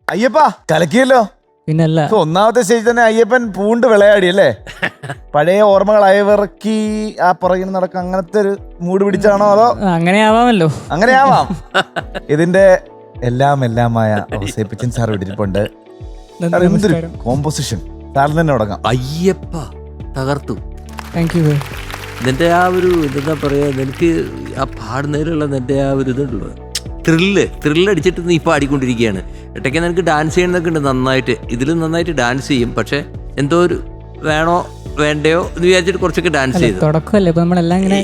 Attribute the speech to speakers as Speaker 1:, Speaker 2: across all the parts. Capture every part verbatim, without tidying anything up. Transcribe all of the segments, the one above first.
Speaker 1: അയ്യപ്പ കലക്കിയല്ലോ.
Speaker 2: പിന്നല്ല,
Speaker 1: ഒന്നാമത്തെ സ്റ്റേജ് തന്നെ അയ്യപ്പൻ പൂണ്ട് വിളയാടി അല്ലേ? പഴയ ഓർമ്മകൾ അയവിറക്കി ആ പുറകിൽ നടക്ക അങ്ങനത്തെ ഒരു മൂഡ് പിടിച്ചാണോ അതോ?
Speaker 2: അങ്ങനെ ആവാമല്ലോ.
Speaker 1: അങ്ങനെ ആവാം. ഇതിന്റെ എല്ലാം എല്ലാമായ ഔസേപ്പച്ചൻ സാർ വിട്ടിരിപ്പുണ്ട്. കോമ്പോസിഷൻ സാറിന് തന്നെ തുടങ്ങാം.
Speaker 3: അയ്യപ്പ തകർത്തു.
Speaker 2: Thank you.
Speaker 3: നിന്റെ ആ ഒരു എന്താ പറയാ, നിനക്ക് ആ പാടുന്നതിലുള്ള നിന്റെ ആ ഒരു ഇതുണ്ടല്ലോ, ത്രില്ല് ത്രില്ലടിച്ചിട്ട് നീ പാടിക്കൊണ്ടിരിക്കുകയാണ്. ഇടയ്ക്ക് നിനക്ക് ഡാൻസ് ചെയ്യണമെന്നൊക്കെ ഉണ്ട് നന്നായിട്ട്. ഇതിലും നന്നായിട്ട് ഡാൻസ് ചെയ്യും. പക്ഷെ എന്തോ ഒരു വേണോ വേണ്ടയോ എന്ന് വിചാരിച്ചിട്ട് കുറച്ചൊക്കെ ഡാൻസ് ചെയ്തു.
Speaker 2: തുടക്കമല്ലേ ഇപ്പൊ നമ്മളെല്ലാം ഇങ്ങനെ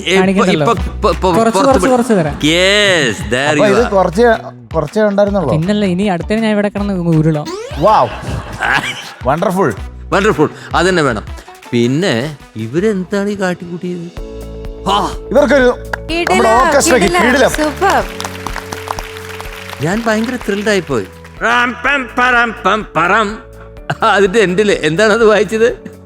Speaker 1: കുറച്ചേ ഉണ്ടായിരുന്നുള്ളൂ.
Speaker 2: പിന്നല്ല, ഇനി അടുത്ത ഞാൻ ഇവിടെ കിടന്ന് ഉരുളോ.
Speaker 1: വണ്ടർഫുൾ
Speaker 3: വണ്ടർഫുൾ അത് തന്നെ വേണം. പിന്നെ ഇവരെന്താണ് ഈ കാട്ടിക്കൂട്ടിയത്?
Speaker 1: ഇവർക്കൊരു
Speaker 3: ഞാൻ ഭയങ്കര ത്രില്ഡായി പോയി. അതിന്റെ എൻഡില് എന്താണ് അത് വായിച്ചത്?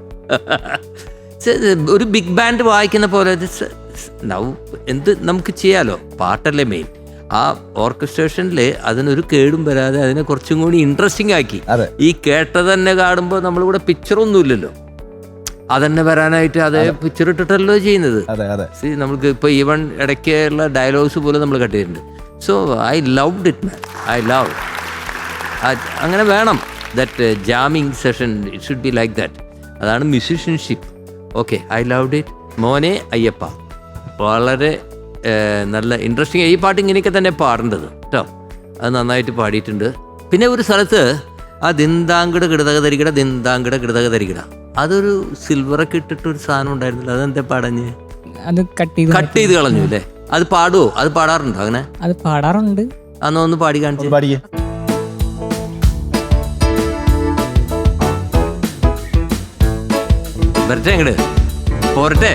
Speaker 3: ഒരു ബിഗ് ബാൻഡ് വായിക്കുന്ന പോലെ എന്ത് നമുക്ക് ചെയ്യാലോ. പാട്ടല്ലേ മെയിൻ. ആ ഓർക്കസ്ട്രേഷനില് അതിനൊരു കേടും വരാതെ അതിനെ കുറച്ചും കൂടി ഇൻട്രസ്റ്റിംഗ് ആക്കി. ഈ കേട്ടത് തന്നെ കാണുമ്പോൾ നമ്മളിവിടെ പിക്ചറൊന്നും ഇല്ലല്ലോ, അതന്നെ വരാനായിട്ട് അതേ പിക്ചർ ഇട്ടിട്ടല്ലോ ചെയ്യുന്നത്. നമ്മൾക്ക് ഇപ്പൊ ഈവൺ ഇടയ്ക്കുള്ള ഡയലോഗ്സ് പോലും നമ്മൾ കട്ട് ചെയ്തിട്ടുണ്ട്. So I loved it man, I love. അങ്ങനെ വേണം. That jamming session it should be like that. അതാണ് musicianship. Okay, I loved it. മോനെ അയ്യപ്പ വളരെ നല്ല ഇൻട്രസ്റ്റിംഗ്. ഈ പാട്ട് ഇങ്ങനെയൊക്കെ തന്നെ പാടേണ്ടത് കേട്ടോ. അത് നന്നായിട്ട് പാടിയിട്ടുണ്ട്. പിന്നെ ഒരു സ്ഥലത്ത് ആ ദിന്താങ്കിട കിടതക തരികിട ദിന്താങ്കിട കിടതക തരികിട, അതൊരു സിൽവറൊക്കെ ഇട്ടിട്ടൊരു സാധനം ഉണ്ടായിരുന്നില്ല, അതെന്താ പാടഞ്ഞ്
Speaker 2: അത് കട്ട് ചെയ്ത്
Speaker 3: കട്ട് ചെയ്ത് കളഞ്ഞു അല്ലേ? അത് പാടുവോ? അത് പാടാറുണ്ടോ? അങ്ങനെ
Speaker 2: അത് പാടാറുണ്ട്.
Speaker 3: അന്ന് ഒന്ന് പാടി കാണിച്ചു.
Speaker 1: പാടിയേ.
Speaker 3: വരട്ടെ അങ്ങട് പോരട്ടെ.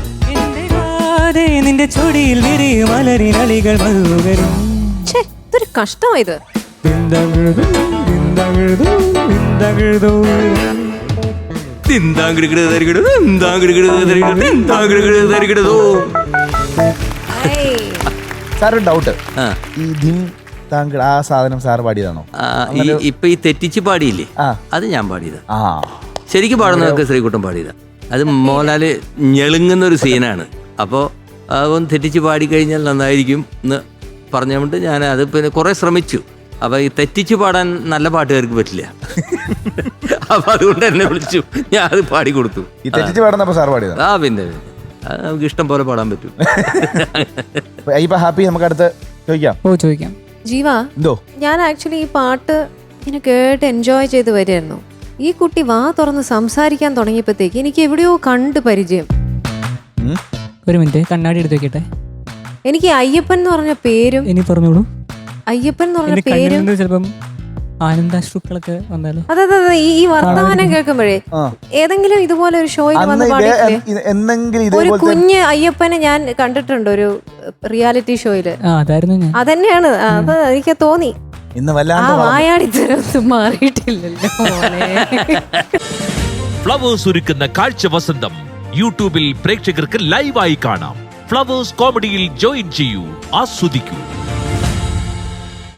Speaker 2: നിന്റെ ചൊടിയിൽ മലരിനളികൾ
Speaker 4: ഇതൊരു കഷ്ടമായത്.
Speaker 1: സാർ ഡൗട്ട്, ഈ ദിൻ താങ്കൾ ആ സാധനം സാർ പാടിയതാണോ?
Speaker 3: ഇപ്പൊ ഈ തെറ്റിച്ച് പാടിയില്ലേ, അത് ഞാൻ പാടിയതാ. ശരിക്കും പാടുന്നതൊക്കെ ശ്രീകുട്ടൻ പാടിയതാ. അത് മോഹൻലാല് ഞെളുങ്ങുന്ന ഒരു സീനാണ്. അപ്പോൾ അതൊന്ന് തെറ്റിച്ച് പാടിക്കഴിഞ്ഞാൽ നന്നായിരിക്കും എന്ന് പറഞ്ഞുകൊണ്ട് ഞാൻ അത് പിന്നെ കുറെ ശ്രമിച്ചു. അപ്പൊ ഈ തെറ്റിച്ച് പാടാൻ നല്ല പാട്ടുകാർക്ക് പറ്റില്ല. അപ്പൊ അതുകൊണ്ട് എന്നെ വിളിച്ചു, ഞാൻ അത് പാടിക്കൊടുത്തു.
Speaker 1: ഈ തെറ്റിച്ച് പാടുന്നപ്പോ സാർ പാടിയത്?
Speaker 3: ആ പിന്നെ നമുക്ക് ഇഷ്ടം പോലെ പാടാൻ പറ്റും.
Speaker 1: ഹാപ്പി. നമുക്ക് അടുത്ത് ചോദിക്കാം.
Speaker 2: ഓ ചോദിക്കാം.
Speaker 4: ജീവ, ഞാൻ ആക്ച്വലി ഈ പാട്ട് ഇങ്ങനെ കേട്ട് എൻജോയ് ചെയ്ത് വരികയായിരുന്നു. ഈ കുട്ടി വാ തുറന്ന് സംസാരിക്കാൻ തുടങ്ങിയപ്പോഴത്തേക്ക് എനിക്ക് എവിടെയോ കണ്ട് പരിചയം.
Speaker 2: ഒരു മിനിറ്റ്, കണ്ണാടി എടുത്ത് വെക്കട്ടെ.
Speaker 4: എനിക്ക് അയ്യപ്പൻ എന്ന് പറഞ്ഞ പേരും.
Speaker 2: ഇനി പറഞ്ഞോളൂ.
Speaker 4: അയ്യപ്പൻ എന്ന് പറഞ്ഞ പേരും
Speaker 2: ചിലപ്പം ആനന്ദാശ്രുക്കളൊക്കെ വന്നാലോ.
Speaker 4: അതെ അതെ അതെ. ഈ വർത്തമാനം കേൾക്കുമ്പോഴേ ഏതെങ്കിലും ഇതുപോലെ ഒരു ഷോയിൽ വന്ന് പാടിയില്ലേ ഒരു കുഞ്ഞ് അയ്യപ്പനെ ഞാൻ കണ്ടിട്ടുണ്ട് ഒരു റിയാലിറ്റി ഷോയില്. അതന്നെയാണ്. അത് എനിക്ക് തോന്നി. വായാടിത്തരം മാറിയിട്ടില്ലല്ലോ.
Speaker 5: ഫ്ലവേഴ്സ് ഒരുക്കുന്ന കാഴ്ച വസന്തം യൂട്യൂബിൽ പ്രേക്ഷകർക്ക് ലൈവായി കാണാം. ഫ്ലവേഴ്സ് കോമഡിയിൽ ജോയിൻ ചെയ്യൂ, ആസ്വദിക്കൂ.